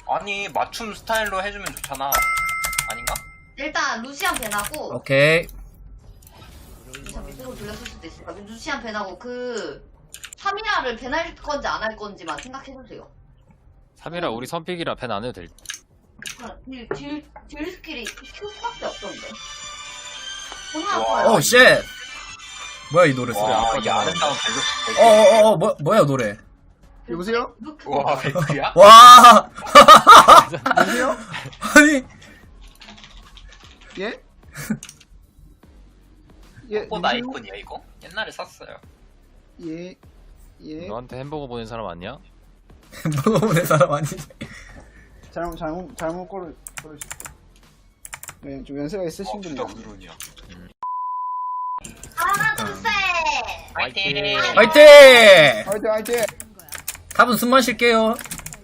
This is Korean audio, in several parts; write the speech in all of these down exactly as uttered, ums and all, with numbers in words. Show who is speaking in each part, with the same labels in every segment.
Speaker 1: 아니 맞춤 스타일로 해주면 좋잖아. 아닌가?
Speaker 2: 일단 루시안 벤하고
Speaker 3: 오케이.
Speaker 2: 루시안 밑으로 돌렸을 수도 있으니까 루시안 벤하고 그 사미야를 벤할 건지 안 할 건지만 생각해주세요.
Speaker 4: 삼이라 우리 선픽이라 벤 안 해도 될.
Speaker 2: 그냥 딜, 딜, 딜 스킬이 Q밖에 없던데.
Speaker 1: 와.
Speaker 3: 오 쉣. 뭐야 이 노래 소리.
Speaker 1: 와,
Speaker 4: 아까
Speaker 1: 이
Speaker 4: 전에.
Speaker 1: 아름다운 벨로.
Speaker 3: 어어어 뭐 뭐야 노래.
Speaker 5: 여보세요?
Speaker 1: 와, 벨트야?
Speaker 3: 와.
Speaker 5: 여보세요?
Speaker 3: 아니
Speaker 5: 예? 예,
Speaker 1: 꽃
Speaker 5: 누구세요?
Speaker 1: 아이콘이야 이거? 옛날에 샀어요.
Speaker 5: 예, 예.
Speaker 4: 너한테 햄버거 보낸 사람 아니야?
Speaker 3: 먹어보는 사람 아니지.
Speaker 5: 잘못, 잘못, 잘못 고르, 고르셨어. 네, 좀 연세가 있으신
Speaker 1: 어,
Speaker 5: 분이.
Speaker 1: 진짜 부르냐.
Speaker 2: 하나 둘 셋.
Speaker 1: 화이팅!
Speaker 3: 화이팅.
Speaker 5: 화이팅, 화이팅!
Speaker 3: 답은 숨만 쉴게요.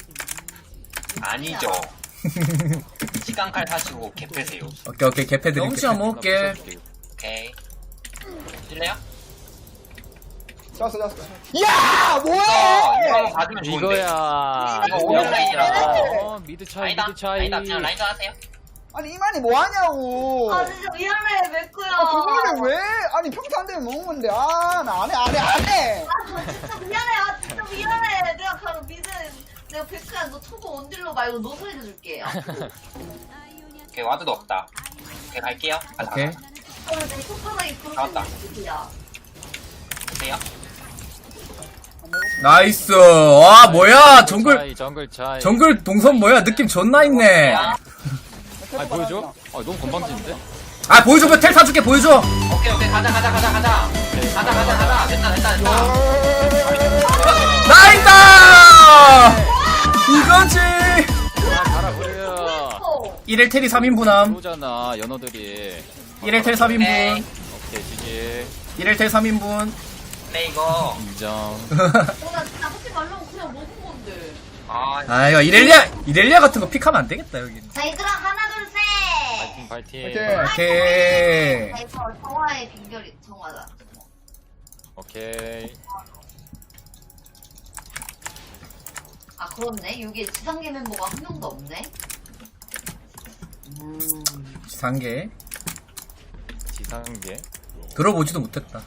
Speaker 1: 아니죠. 시간칼 사시고 개 패세요.
Speaker 3: 오케이 오케이 개패드릴게. 홈치 한번 먹을게.
Speaker 1: 오케이. 실래요?
Speaker 5: 쐈어, 쐈어. 야!
Speaker 1: 이거,
Speaker 5: 뭐해!
Speaker 1: 이거 한번 받으면 좋은데.
Speaker 4: 이거야.
Speaker 1: 이거 오열 라인이라서.
Speaker 4: 어, 미드 차이,
Speaker 1: 아니다.
Speaker 4: 미드 차이.
Speaker 1: 아니다. 그냥 라인전 하세요.
Speaker 5: 아니, 이만이 뭐하냐고!
Speaker 2: 아 진짜 미안해 맥구야.
Speaker 5: 아, 그거를 왜? 아니, 평소 안 되면 먹는 건데. 아, 나 안 해, 안 해, 안 해!
Speaker 2: 아 진짜 미안해. 아 진짜 미안해. 내가 바로 미드 내가 백구야 너 초보 원딜로 말고 노소리 해줄게.
Speaker 1: 오케이, 와드도 없다. 오케이, 갈게요. 가자,
Speaker 3: 오케이.
Speaker 1: 가자.
Speaker 2: 오늘 내 손가락이
Speaker 1: 나왔다.
Speaker 2: 부러지야.
Speaker 1: 보세요.
Speaker 3: 나이스. 와 뭐야 정글
Speaker 4: 차이, 정글 차이.
Speaker 3: 정글 동선 뭐야 느낌 존나 있네.
Speaker 4: 아, 보여줘? 아, 너무 건방진데?
Speaker 3: 아 보여줘 텔 사줄게 보여줘.
Speaker 1: 오케이, 오케이. 가자, 가자, 가자, 가자. 가자, 가자, 가자. 됐다, 됐다, 됐다.
Speaker 3: 나이다. 이거지.
Speaker 4: 아, 달아버려.
Speaker 2: 어.
Speaker 3: 일 일 텔이 삼 인분함.
Speaker 4: 오잖아, 연어들이.
Speaker 3: 일 일 텔 삼 인분.
Speaker 1: 오케이.
Speaker 4: 오케이, 지지.
Speaker 3: 일 일 텔 삼 인분.
Speaker 1: 근데 이거.
Speaker 4: 인정.
Speaker 2: 어나 진짜 하지 말라고 그냥 먹은 건데.
Speaker 1: 아,
Speaker 3: 아 이거 이렐리아 이렐리아 같은 거 픽하면 안 되겠다 여기.
Speaker 2: 자 얘들아 하나 둘 셋.
Speaker 4: 파이팅, 파이팅.
Speaker 5: 파이팅.
Speaker 3: 오케이.
Speaker 2: 자 이거 정화의 빙결이 정화다.
Speaker 4: 오케이.
Speaker 2: 아 그렇네. 여기 지상계 멤버가 한 명도 없네.
Speaker 3: 상계
Speaker 4: 지상계.
Speaker 3: 들어보지도 못했다.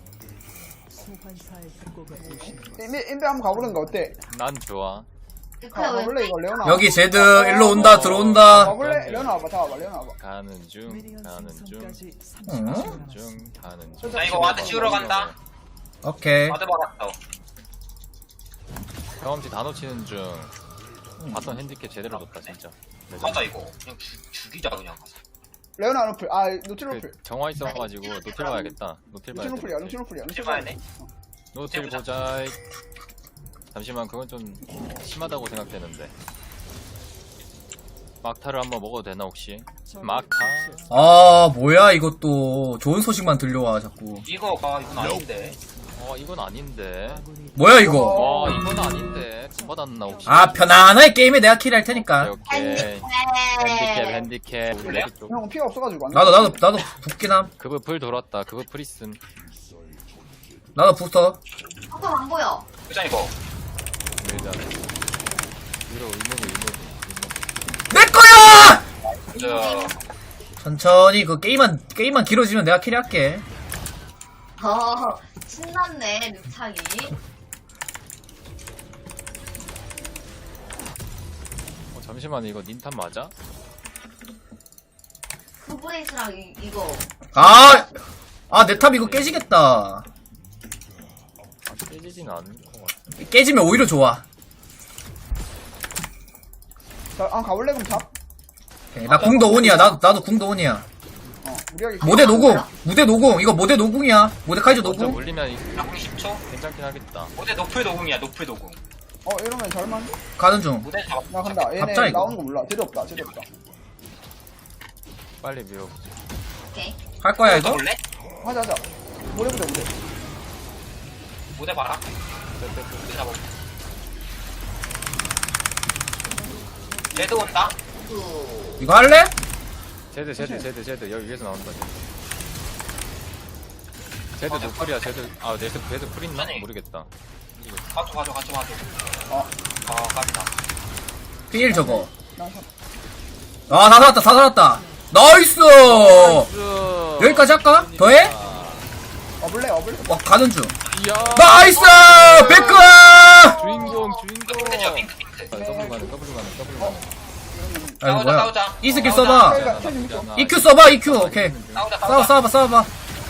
Speaker 5: 인베, 인베 한번 가보는 거 어때?
Speaker 4: 난 좋아.
Speaker 2: 백구야 왜?
Speaker 5: 가볼래, 이거, 레오나?
Speaker 3: 여기 제드 일로 온다 들어온다.
Speaker 5: 가볼래? 레오나 와봐, 다 와봐, 레오나 와봐.
Speaker 4: 가는 중, 가는 중,
Speaker 3: 응?
Speaker 4: 가는 중, 가는 중.
Speaker 1: 나 이거 와드 씌우러 간다.
Speaker 3: 오케이.
Speaker 1: 와드 받았어.
Speaker 4: 경험치 다 놓치는 중. 바텀 핸디캡 제대로 줬다, 진짜.
Speaker 1: 맞아, 이거. 그냥 죽, 죽이자, 그냥 가서.
Speaker 5: 레오나 노플, 아, 노틸
Speaker 4: 그
Speaker 5: 노플.
Speaker 4: 정화 있어가지고 노틸 봐야겠다. 노틸
Speaker 5: 노틸 노플이야,
Speaker 4: 봐야겠다.
Speaker 5: 노틸 노플이야.
Speaker 1: 실 봐야 돼?
Speaker 4: 노틸 보자. 잠시만, 그건 좀 심하다고 생각되는데. 막타를 한번 먹어도 되나 혹시? 막타?
Speaker 3: 아 뭐야 이것도 좋은 소식만 들려와 자꾸.
Speaker 1: 이거, 아, 이건 아닌데.
Speaker 4: 어, 이건 아닌데.
Speaker 3: 뭐야 이거.
Speaker 4: 와, 이건 아닌데. 돈 받았나 혹시?
Speaker 3: 아 편안하게 게임에 내가 킬할 테니까.
Speaker 4: 오케이, 오케이. 핸디캡, 핸디캡.
Speaker 1: 그래요?
Speaker 4: 우리 쪽.
Speaker 5: 형은 피가 없어가지고 안 돼.
Speaker 3: 나도 나도 나도 붙긴함.
Speaker 4: 그거 불 돌았다. 그거 프리슨.
Speaker 3: 나도 붙어.
Speaker 2: 아까 안 보여.
Speaker 1: 그자, 이거.
Speaker 4: 밀자. 위로 의무기, 의무기,
Speaker 3: 내 거야.
Speaker 1: 저,
Speaker 3: 천천히 그 게임만 게임만 길어지면 내가 킬할게.
Speaker 2: 어 신났네 늑창이.
Speaker 4: 어, 잠시만, 이거 닌탄 맞아?
Speaker 2: 그브레이스랑 이, 이거
Speaker 3: 아, 아, 내 탑 이거 깨지겠다.
Speaker 4: 아, 깨지진 않은 것 같아.
Speaker 3: 깨지면 오히려 좋아.
Speaker 5: 자, 한번 가볼래, 그럼 탑?
Speaker 3: 오케이, 나 궁도 온이야. 나도, 나도 궁도 온이야.
Speaker 5: 어, 무리하게.
Speaker 3: 모대 노궁. 무대 노궁. 이거 모대 노궁이야. 모대 카이저
Speaker 4: 먼저
Speaker 3: 노궁.
Speaker 4: 물리면 이-
Speaker 1: 나궁 십 초?
Speaker 4: 괜찮긴 하겠다.
Speaker 1: 모대 노플 도궁이야, 노플 도궁.
Speaker 5: 어, 이러면 잘만.
Speaker 3: 가는 중.
Speaker 1: 모대 잡,
Speaker 5: 나 간다. 얘네
Speaker 3: 갑자기 이거.
Speaker 5: 나오는 거 몰라. 제대 없다, 제대 없다.
Speaker 4: 빨리 미워.
Speaker 2: 오케이.
Speaker 3: 할 거야, 이거?
Speaker 1: 볼래?
Speaker 5: 하자, 하자. 모래 보자, 모래.
Speaker 1: 모대 봐라. 모대 잡아. 레드 온다?
Speaker 2: 그
Speaker 3: 이거 할래?
Speaker 4: 제드, 제드, 제드, 제드. 여기 위에서 나온다. 제드 노플이야, 제드. 아, 제드, 제드 풀 있나?
Speaker 1: 아니.
Speaker 4: 모르겠다.
Speaker 1: 가져, 가져, 가져, 가져.
Speaker 5: 어.
Speaker 1: 아, 깝이다.
Speaker 3: 필 저거.
Speaker 5: 나 사-
Speaker 3: 아, 다 살았다, 다 살았다. 나이스!
Speaker 4: 나이스.
Speaker 3: 여기까지 할까? 더해?
Speaker 5: 어블레 어블레.
Speaker 3: 와, 가는 중.
Speaker 4: 이야.
Speaker 3: 나이스! 백크!
Speaker 4: 주인공 주인공.
Speaker 1: 핑크죠 핑크 핑크.
Speaker 4: 아, 더블 가는 더블 가는 더블 가는.
Speaker 3: 아이고,
Speaker 1: 싸우자
Speaker 3: 뭐야.
Speaker 1: 싸우자.
Speaker 3: 이 스킬
Speaker 1: 싸우자.
Speaker 3: 써봐.
Speaker 5: 텔가 텔 재밌어.
Speaker 3: 이큐 써봐, 이큐. 오케이.
Speaker 1: 싸우자
Speaker 3: 싸워,
Speaker 1: 싸우자.
Speaker 3: 싸워봐, 싸워봐.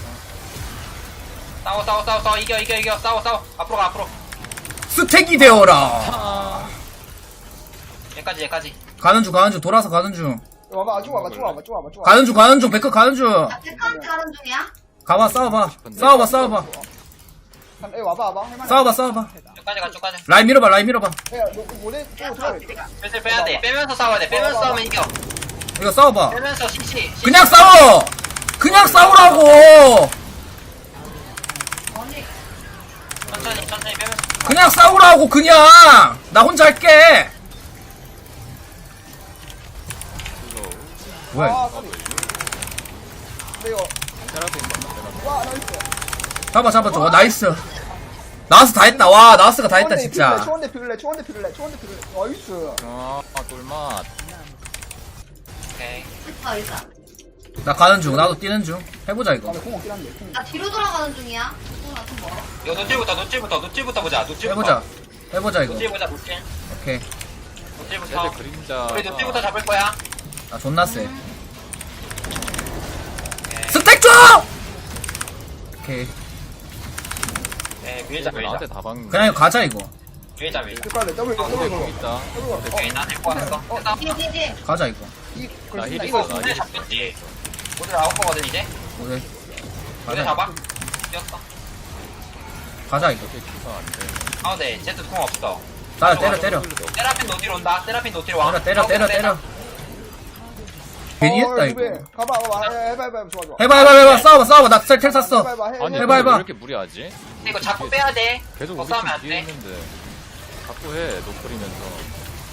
Speaker 1: 싸워 싸워 싸워 싸워 이겨 이겨 이겨 싸워 싸워 앞으로 가 앞으로.
Speaker 3: 스택이 되어라.
Speaker 4: 아.
Speaker 1: 얘까지 얘까지.
Speaker 3: 가는 중, 가는 중. 돌아서 가는 중.
Speaker 5: 와봐 쭉 와봐 쭉 와봐 쭉 와봐 쭉 와봐.
Speaker 3: 가는 중, 가는 중. 백크 가는 중.
Speaker 2: 나 백한테 가는 중이야?
Speaker 3: 가봐, 싸워봐. 싸워봐, 싸워봐.
Speaker 5: 한- 에 와봐 와봐 할만해.
Speaker 3: 싸워봐, 싸워봐.
Speaker 1: 쭉까지 가 쭉까지.
Speaker 3: 라인 밀어봐, 라인 밀어봐.
Speaker 5: 야, 너 모델 또 들어야 돼.
Speaker 1: 슬슬 빼야 돼. 빼면서 싸워야 돼. 빼면서
Speaker 5: 어,
Speaker 1: 싸우면 이겨.
Speaker 3: 이거 싸워봐.
Speaker 1: 빼면서 시시.
Speaker 3: 그냥 싸워! 그냥 싸우라고!
Speaker 2: 아니
Speaker 1: 천천히 천천히 빼면서.
Speaker 3: 그냥 싸우라고, 그냥! 나 혼자 할게! 뭐야, 이거.
Speaker 5: 아, 소리. 근데 이거
Speaker 4: 테라핀 테라핀.
Speaker 5: 와 나이스.
Speaker 3: 잡아, 잡아, 저거. 나이스. 나와서 다 했다. 와, 나와스가 다 했다, 진짜.
Speaker 5: 초원대 피글레 초원대 피글레 초원대 피글레. 나이스.
Speaker 4: 아 꿀맛.
Speaker 1: 오케이.
Speaker 2: 됐다 일단
Speaker 3: 나 가는 중. 나도 뛰는 중. 해보자, 이거.
Speaker 5: 아공 없긴 한데. 공.
Speaker 2: 나 뒤로 돌아가는 중이야 나좀 멀어
Speaker 1: 이거 노til부터 노til부터 노til부터 보자. 노til부터.
Speaker 3: 해보자. 해보자, 이거.
Speaker 1: 노til 보자 노til.
Speaker 3: 오케이.
Speaker 1: 노til부터.
Speaker 4: 쟤들 그림자.
Speaker 1: 우리 노til부터 잡을 거야.
Speaker 3: 나 존나 세.
Speaker 1: 오케이.
Speaker 3: 스택 줘! 오케이.
Speaker 1: 네 밀자 밀자.
Speaker 4: 나한테 다 박는.
Speaker 3: 그냥 이거 가자, 이거.
Speaker 1: 밀자 밀자.
Speaker 5: 끝까지 더블
Speaker 1: 어,
Speaker 5: 더블
Speaker 4: 공
Speaker 5: 거.
Speaker 4: 있다.
Speaker 5: 더블 거.
Speaker 1: 오케이 나 데리고 왔어.
Speaker 5: 어,
Speaker 1: 됐다.
Speaker 2: 뒤에 뒤에 뒤에
Speaker 3: 가자, 이거.
Speaker 5: 이
Speaker 4: 나
Speaker 5: 걸린다.
Speaker 4: 힐
Speaker 1: 이거
Speaker 4: 있어, 나
Speaker 1: 모델
Speaker 4: 힐 있어.
Speaker 1: 잡겠지. 모델 나올 거거든 이제.
Speaker 3: 오케이.
Speaker 1: 모델
Speaker 3: 가자,
Speaker 1: 잡아. 뛰었어.
Speaker 3: 가자, 이거.
Speaker 4: 이렇게 키가 안 돼.
Speaker 1: 아 네. 제트 공 없어.
Speaker 3: 나 때려, 때려.
Speaker 1: 세라핀 노틸 온다. 세라핀 노틸 와.
Speaker 3: 때려, 때려, 때려, 때려. 괜히 했다, 이거.
Speaker 5: 가봐 가봐. 해- 해봐 해봐 좋아 좋아.
Speaker 3: 해봐, 해봐, 해봐. 싸워봐, 싸워봐. 나 텔 샀어.
Speaker 5: 해봐 해봐 해.
Speaker 4: 아니
Speaker 5: 해.
Speaker 3: 해봐, 해봐.
Speaker 4: 왜 이렇게 무리하지?
Speaker 1: 근데 이거 자꾸 빼야 돼.
Speaker 4: 계속
Speaker 1: 더
Speaker 4: 우리
Speaker 1: 싸우면
Speaker 4: 팀
Speaker 1: 안
Speaker 4: 뒤에
Speaker 1: 돼.
Speaker 4: 있는데 자꾸 해 노플이면서.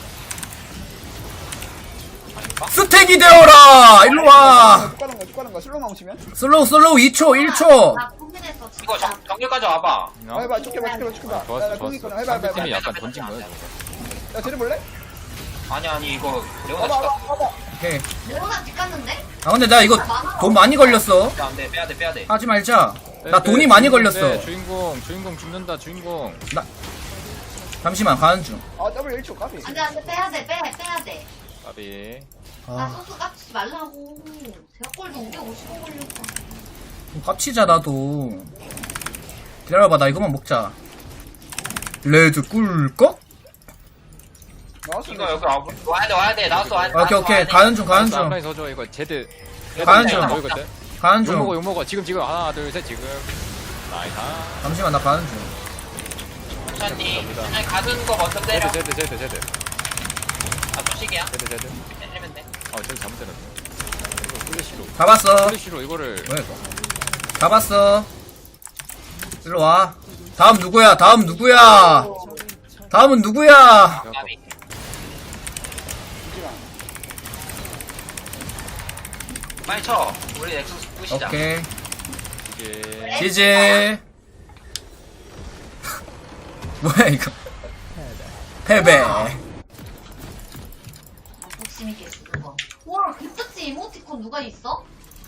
Speaker 1: 아닌가?
Speaker 3: 스택이 되어라! 일로 와!
Speaker 5: 쭉 가는 거야 쭉 가는 거야 슬로우 멈추면.
Speaker 3: 슬로우, 슬로우 이 초, 일 초.
Speaker 2: 나 고민했어 진짜
Speaker 1: 이거 정, 정글까지 와봐.
Speaker 5: 아, 해봐 쭉 해봐 쭉 해봐 쭉 해봐.
Speaker 4: 좋았어
Speaker 5: 야, 공이
Speaker 4: 좋았어.
Speaker 5: 있거든. 해봐 해봐
Speaker 4: 상대팀이
Speaker 5: 해봐.
Speaker 4: 약간 던진 거야 저거.
Speaker 5: 야 쟤네 볼래?
Speaker 1: 아니 아니 이거 레오나
Speaker 5: 와봐
Speaker 1: 시가
Speaker 5: 와봐 와봐.
Speaker 3: 오케이.
Speaker 2: 레오나 집 갔는데?
Speaker 3: 아, 근데 나 이거 돈 많이 걸렸어.
Speaker 1: 안돼 빼야 돼 빼야 돼.
Speaker 3: 하지 말자.
Speaker 4: 네,
Speaker 3: 나 돈이 많이 걸렸어.
Speaker 4: 주인공 주인공 죽는다 주인공.
Speaker 3: 잠시만, 가는 중.
Speaker 5: 아 더블 일 초 까비.
Speaker 2: 안돼 안돼 빼야 돼 빼, 빼야 돼
Speaker 4: 까비.
Speaker 2: 나
Speaker 3: 아,
Speaker 2: 소스 깝치지 말라고 대학골도 오백오십 원 걸렸어
Speaker 3: 좀 깝치자, 나도. 기다려봐, 나 이거만 먹자. 레드 꿀꺽?
Speaker 5: 나왔어.
Speaker 1: 이거 여기 와, 와야 돼 와야 돼 나왔어 와야 돼.
Speaker 3: 오케이, 오케이. 가는 중, 가는 중.
Speaker 4: 앞라인 서줘 이거 제드.
Speaker 3: 가는 중.
Speaker 4: 뭐 이거 돼?
Speaker 3: 가는
Speaker 4: 욕 먹어
Speaker 3: 중.
Speaker 4: 욕 먹어 지금 지금 하나 둘 셋 지금. 나이스.
Speaker 3: 잠시만, 나 가는 중.
Speaker 1: 천천히 천천히 가는 거 먼저 때려.
Speaker 4: 제드 제드 제드 제드
Speaker 1: 아 소식이야.
Speaker 4: 제드 제드.
Speaker 1: 때리면 돼.
Speaker 4: 아 제드 잘못 때렸네. 이거 플래시로
Speaker 3: 잡았어.
Speaker 4: 플래시로 이거를.
Speaker 3: 뭐야, 이거. 잡았어. 일로 와. 다음 누구야? 다음 누구야? 다음은 누구야?
Speaker 1: 까비. 빨리 쳐. 우리 엑소스 부시자.
Speaker 3: 오케이.
Speaker 4: 이게
Speaker 3: 지지. 뭐야, 이거. 패배.
Speaker 2: 아, 욕심 있게 했어 그거 와 김떡지 이모티콘 누가 있어?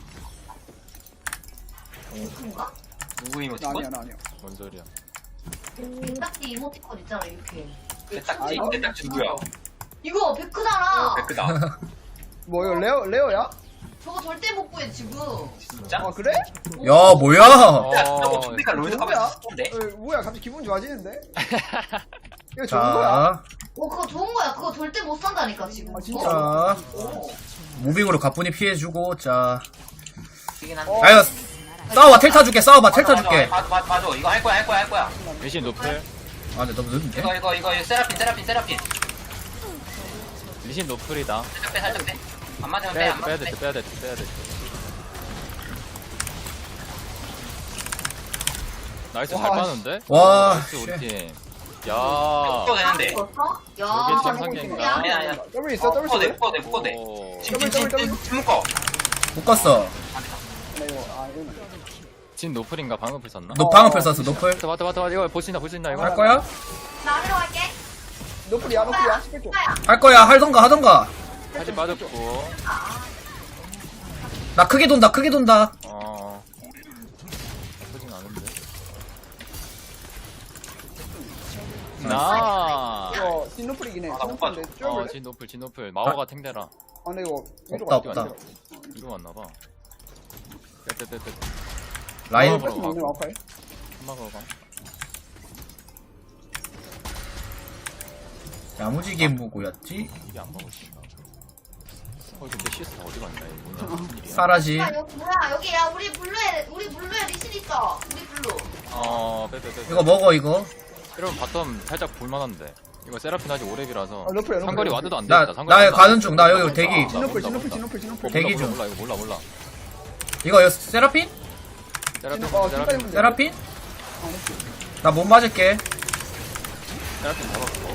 Speaker 2: 이모티콘가?
Speaker 1: 누구
Speaker 5: 나
Speaker 1: 이모티콘?
Speaker 5: 아니야 나 아니야.
Speaker 4: 뭔 소리야?
Speaker 2: 김딱지 이모티콘 있잖아 이렇게
Speaker 1: 대딱지
Speaker 5: 아,
Speaker 1: 대딱지 누구야?
Speaker 2: 이거 베크잖아
Speaker 1: 백크다.
Speaker 5: 뭐 이거 레오 레오야?
Speaker 2: 저거 절대 못 구해 지금
Speaker 1: 진짜?
Speaker 5: 아 그래?
Speaker 3: 야, 뭐야?
Speaker 1: 야, 저거 좀비가
Speaker 5: 뭐야?
Speaker 1: 롤드컵에서 썼던데?
Speaker 5: 어, 뭐야 갑자기 기분 좋아지는데? 이거 좋은 거야?
Speaker 3: 자,
Speaker 2: 어 그거 좋은 거야 그거 절대 못 산다니까 지금
Speaker 5: 아, 진짜?
Speaker 3: 자.
Speaker 2: 어.
Speaker 3: 무빙으로 가뿐히 피해주고, 자.
Speaker 1: 이긴 한데.
Speaker 5: 어.
Speaker 3: 아유, 싸워봐, 텔 타줄게, 싸워봐, 텔 타줄게.
Speaker 1: 맞아, 맞아, 맞아. 이거 할 거야, 할 거야, 할 거야.
Speaker 4: 대신 노플.
Speaker 3: 아, 근데 너무 늦은데?
Speaker 1: 이거, 이거, 이거, 이거 세라핀, 세라핀, 세라핀.
Speaker 4: 리신 노플이다.
Speaker 1: 살짝 빼, 살짝 빼. 안 맞으면 빼,
Speaker 4: 빼야
Speaker 1: 안
Speaker 4: 돼 빼야
Speaker 1: 맞으면
Speaker 4: 돼
Speaker 1: 빼.
Speaker 4: 빼야 돼 빼야 돼. 나이스 잘
Speaker 5: 와,
Speaker 4: 빠는데?
Speaker 3: 와,
Speaker 4: 나이스 우리
Speaker 3: 씨.
Speaker 4: 팀. 야.
Speaker 1: 묶어도 되는데.
Speaker 2: 었어 야
Speaker 4: 저게 참
Speaker 2: 너무
Speaker 4: 상계인가?
Speaker 2: 좋냐?
Speaker 1: 아니야, 아니야.
Speaker 5: 더블 있어 더블
Speaker 1: 묶어도 돼,
Speaker 5: 있어.
Speaker 1: 묶어도 돼, 묶어도 돼.
Speaker 4: 오.
Speaker 1: 지금,
Speaker 5: 더블,
Speaker 1: 지금,
Speaker 5: 더블,
Speaker 1: 지금, 지금 묶어.
Speaker 3: 묶었어.
Speaker 5: 네, 이거 아 이거.
Speaker 4: 진 노플인가 방어플 썼나?
Speaker 3: 너 방어패 썼어, 노플.
Speaker 4: 맞다 맞다 맞다 맞다 이거 볼 수 있나 볼 수 있나 이거?
Speaker 3: 할 거야?
Speaker 2: 나 하러 갈게
Speaker 5: 노플이야 노플이야 십백 조.
Speaker 3: 할 거야 할던가 하던가.
Speaker 4: 사진 빠졌고.
Speaker 3: 나 크게 돈다 크게 돈다.
Speaker 4: 어. 나쁘진 않은데. 나.
Speaker 5: 이거 진 노플이긴 해.
Speaker 1: 아,
Speaker 5: 진
Speaker 1: 못
Speaker 5: 노플인데
Speaker 1: 봤어.
Speaker 4: 어,
Speaker 5: 쫄볼래?
Speaker 4: 진 노플, 진 노플. 마오가 탱대라.
Speaker 5: 아 근데 이거 위로
Speaker 3: 없다,
Speaker 5: 갈게,
Speaker 3: 없다.
Speaker 5: 안 돼.
Speaker 4: 이거 왔나봐. 떼떼떼떼.
Speaker 3: 라인
Speaker 5: 어, 뺄수 있네 마우카이.
Speaker 4: 한마가 가.
Speaker 3: 야무지게 무고였지.
Speaker 4: 이게 안 먹을 수 어, 근데 시스 어디 갔냐, 이거 뭐냐, 무슨 일이야.
Speaker 3: 사라지.
Speaker 2: 야, 여기 뭐야? 여기 야 우리 블루에 우리 블루에 리신 있어. 우리 블루.
Speaker 4: 어, 빼빼빼.
Speaker 3: 이거 먹어 이거.
Speaker 4: 이러면 바텀 살짝 볼만한데. 이거 세라핀 아직 오렙이라서.
Speaker 5: 어, 노플이야, 노플.
Speaker 4: 상거리 와드도 안
Speaker 3: 나-
Speaker 4: 되겠다. 상거리
Speaker 3: 나
Speaker 4: 와드
Speaker 3: 가는
Speaker 4: 안
Speaker 3: 중. 나 여기
Speaker 4: 되겠다.
Speaker 3: 대기.
Speaker 4: 몰라,
Speaker 5: 진 노플 진
Speaker 4: 몰라,
Speaker 5: 노플 진
Speaker 4: 몰라.
Speaker 5: 노플 진 노플.
Speaker 3: 대기
Speaker 4: 몰라,
Speaker 3: 중.
Speaker 4: 몰라, 이거 몰라, 몰라.
Speaker 3: 이거 여- 세라핀?
Speaker 4: 세라핀,
Speaker 5: 어,
Speaker 4: 세라핀,
Speaker 5: 뒷발이
Speaker 3: 세라핀?
Speaker 5: 어, 노플.
Speaker 3: 나 못 맞을게.
Speaker 4: 세라핀 잡았고.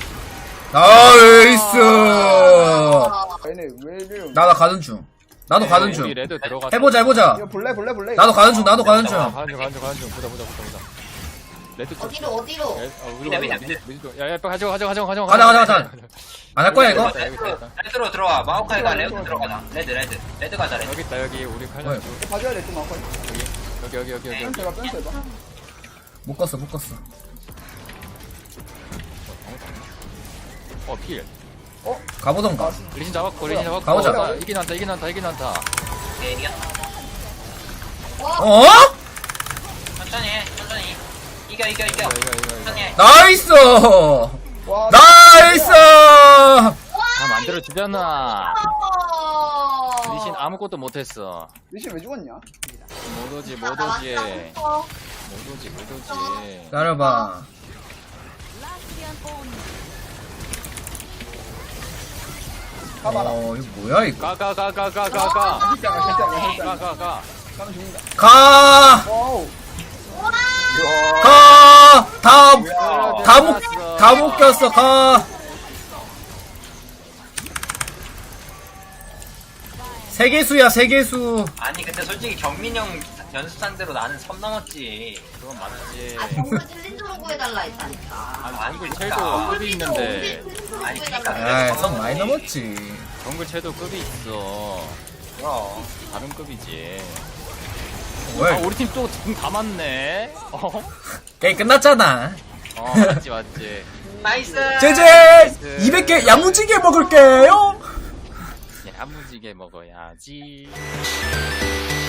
Speaker 3: 나이스.
Speaker 5: 얘네 왜 이래요?
Speaker 3: 나 나 가는 중. 나도 가는
Speaker 4: 우리
Speaker 3: 중.
Speaker 4: 레드 들어갔어.
Speaker 3: 해보자 해보자.
Speaker 5: 이거 볼래 볼래 볼래.
Speaker 3: 나도 가는 중 나도 가는
Speaker 4: 아,
Speaker 3: 중.
Speaker 4: 가는 중, 가는 중, 가는 중. 보자, 보자, 보자, 보자. 레드 쪽.
Speaker 2: 어디로 어디로?
Speaker 4: 야, 어, 우리
Speaker 1: 미드,
Speaker 4: 가자,
Speaker 1: 미드,
Speaker 4: 미드, 미드 쪽. 야, 야, 빨리 가져가, 가져가, 가져가,
Speaker 3: 가자 가자 가자. 안 할 거야 이거?
Speaker 4: 여기 있다, 여기 있다, 여기 있다.
Speaker 1: 레드로 들어와. 마오카이가 레드 들어가자. 레드 레드. 레드 가자 레드.
Speaker 4: 여기 있다, 여기 우리 칼날
Speaker 3: 뭐야?
Speaker 4: 쪽.
Speaker 5: 봐줘야 돼 또 마우카이.
Speaker 4: 여기, 여기, 여기, 여기, 여기.
Speaker 5: 뺀 해봐 뺀 해봐.
Speaker 3: 못 껐어 못 껐어.
Speaker 4: 어, 필.
Speaker 3: 가보던가.
Speaker 4: 리신 잡았고, 리신 잡았고.
Speaker 3: 가보자.
Speaker 4: 아, 이긴 한다, 이긴 한다, 이긴 한다.
Speaker 1: 오케이 이겼다.
Speaker 3: 어?
Speaker 1: 천천히 해. 천천히. 이겨 이겨 이겨.
Speaker 4: 이거, 이거, 이거, 이거.
Speaker 1: 천천히 해.
Speaker 3: 나이스.
Speaker 5: 와.
Speaker 3: 나이스.
Speaker 4: 다 만들어주잖아.
Speaker 2: 어.
Speaker 4: 리신 아무것도 못했어.
Speaker 5: 리신 왜 죽었냐?
Speaker 4: 못 오지,
Speaker 2: 나
Speaker 4: 못 오지.
Speaker 2: 나왔어.
Speaker 4: 못 오지, 못 오지.
Speaker 3: 기다려봐.
Speaker 5: 가봐라.
Speaker 3: 어 이거 뭐야 이거?
Speaker 4: 가, 가, 가, 가, 가, 가, 가.
Speaker 5: 괜찮아 괜찮아 괜찮아.
Speaker 4: 가, 가, 가.
Speaker 5: 가면 죽는다.
Speaker 3: 가.
Speaker 5: 와우.
Speaker 3: 가. 다. 다 묶. 다 묶였어 가. 세계수야 세계수.
Speaker 1: 아니 근데 솔직히 경민 형 연습산대로 나는 선 넘었지.
Speaker 4: 그건 맞지.
Speaker 2: 아 정글 챌린저로 구해달라 했다니까.
Speaker 4: 아니, 정글
Speaker 1: 그러니까.
Speaker 4: 채도 급이 있는데.
Speaker 1: 아니,
Speaker 3: 에이 선 많이 넘었지.
Speaker 4: 정글 채도 급이 있어.
Speaker 1: 그럼.
Speaker 4: 다른 급이지. 아,
Speaker 3: 뭐야 이거?
Speaker 4: 우리 팀 또 등 다 맞네. 어?
Speaker 3: 게임 끝났잖아.
Speaker 4: 어, 맞지, 맞지.
Speaker 1: 나이스.
Speaker 3: 제제 이백 개 야무지게 먹을게요.
Speaker 4: 야무지게 먹어야지.